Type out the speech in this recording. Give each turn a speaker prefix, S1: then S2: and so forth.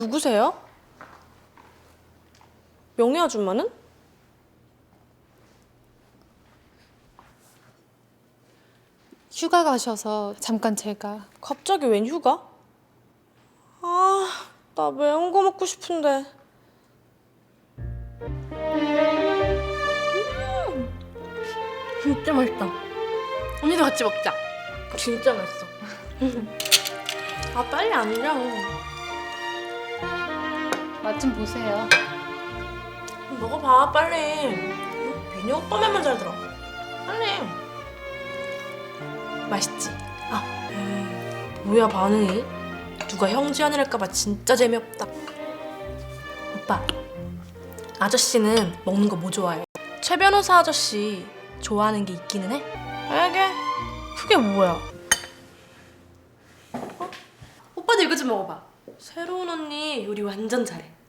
S1: 누구세요? 명예 아줌마는?
S2: 휴가 가셔서 잠깐 제가.
S1: 갑자기 웬 휴가? 아, 나 매운 거 먹고 싶은데. 진짜 맛있다.
S2: 언니도 같이 먹자.
S1: 진짜 맛있어. 아, 빨리 앉아.
S2: 맛 좀 보세요.
S1: 먹어봐, 빨리. 민희 오빠 말만 잘 들어. 빨리. 맛있지? 아, 뭐야 반응이? 누가 형제언니랄까봐 진짜 재미없다. 오빠, 아저씨는 먹는 거 뭐 좋아해? 최 변호사 아저씨 좋아하는 게 있기는 해? 알게? 그게 뭐야?
S2: 오빠도 이거 좀 먹어봐.
S1: 새로운 언니 요리 완전 잘해.